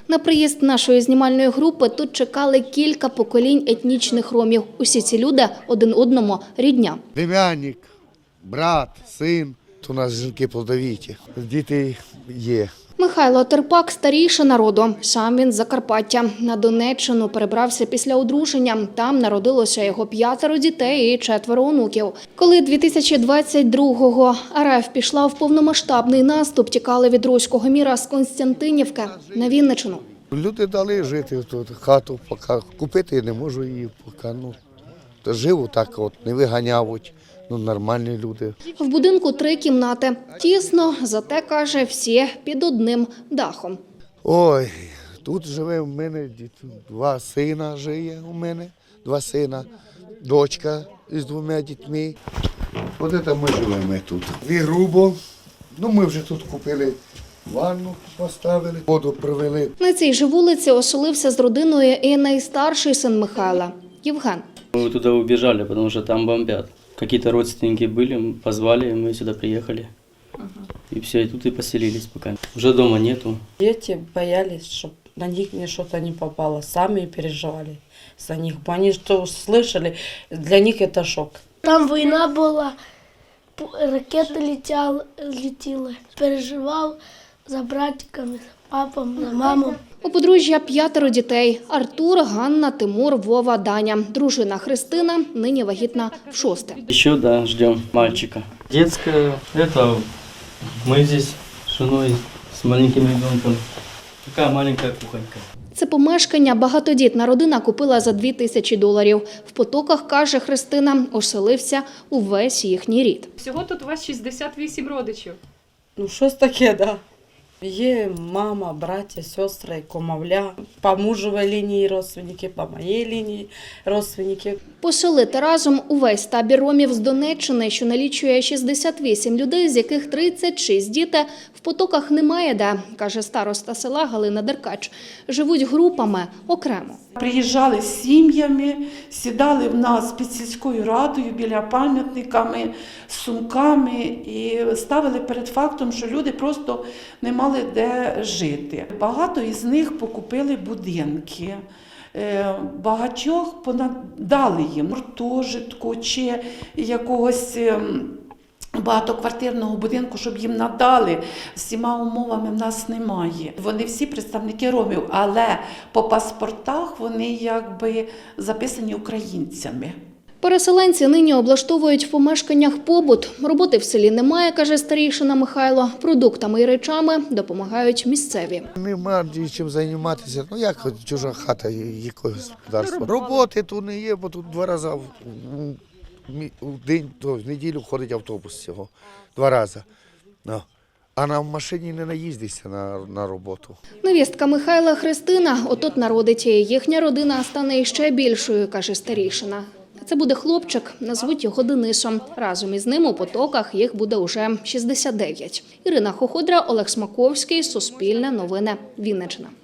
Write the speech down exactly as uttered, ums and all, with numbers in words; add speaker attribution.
Speaker 1: На приїзд нашої знімальної групи тут чекали кілька поколінь етнічних ромів. Усі ці люди один одному рідня.
Speaker 2: Племянник, брат, син. У нас жінки плодовиті, діти є.
Speaker 1: Михайло Терпак – старійший народу. Сам він з Закарпаття. На Донеччину перебрався після одруження. Там народилося його п'ятеро дітей і четверо онуків. Коли дві тисячі двадцять другого РФ пішла в повномасштабний наступ, тікали від руського міра з Константинівки на Вінниччину.
Speaker 2: Люди дали жити тут, хату, поки купити не можу її, поки ну, живу так, от, не виганяють. Ну, нормальні люди.
Speaker 1: В будинку три кімнати. Тісно, зате, каже, всі під одним дахом.
Speaker 2: Ой, тут живе в мене два сина живе у мене, два сина, дочка із двома дітьми. От це ми живемо тут. І грубо, ну ми вже тут купили ванну, поставили, воду привели.
Speaker 1: На цій же вулиці оселився з родиною і найстарший син Михайла – Євген.
Speaker 3: Мы туда убежали, потому что там бомбят. Какие-то родственники были, позвали, и мы сюда приехали. И все, и тут и поселились пока. Уже дома нету.
Speaker 4: Дети боялись, чтобы на них что-то не попало. Сами переживали за них. Они что услышали, для них это шок.
Speaker 5: Там війна була, ракети летіли, летіли. Переживав за братиками, за папом, за мамою.
Speaker 1: У подружжя п'ятеро дітей – Артур, Ганна, Тимур, Вова, Даня. Дружина Христина нині вагітна в шосте.
Speaker 3: Еще, да, ждем мальчика. Детская, это мы здесь с женой, с маленьким ребенком. Такая маленькая кухонька.
Speaker 1: Це помешкання багатодітна родина купила за дві тисячі доларів. В Потоках, каже Христина, оселився увесь їхній рід.
Speaker 6: Всього тут у вас шістдесят вісім родичів.
Speaker 4: Ну щось таке, да. Є мама, браття, сестри, кумовля, по мужовій лінії родственники, по моїй лінії родственники.
Speaker 1: Поселити разом увесь табір ромів з Донеччини, що налічує шістдесят вісім людей, з яких тридцять шість діти, в Потоках немає де, каже староста села Галина Деркач. Живуть групами окремо.
Speaker 7: Приїжджали з сім'ями, сідали в нас під сільською радою біля пам'ятниками, з сумками і ставили перед фактом, що люди просто не мали де жити. Багато із них покупили будинки. Багатьох дали їм гуртожитку чи якогось багатоквартирного будинку, щоб їм надали. Всіма умовами в нас немає. Вони всі представники ромів, але по паспортах вони якби записані українцями.
Speaker 1: Переселенці нині облаштовують в помешканнях побут. Роботи в селі немає, каже старійшина Михайло. Продуктами і речами допомагають місцеві.
Speaker 2: Нема чим займатися. Ну як чужа хата, яке господарство. Роботи тут не є, бо тут два рази в день, то в неділю ходить автобус всього. Два рази. No. А на машині не наїздишся на, на роботу.
Speaker 1: Невістка Михайла Христина отут народить. Їхня родина стане ще більшою, каже старійшина. Це буде хлопчик, назвуть його Денисом. Разом із ним у Потоках їх буде уже шістдесят дев'ять. Ірина Хоходра, Олег Смаковський, Суспільне новини, Вінниччина.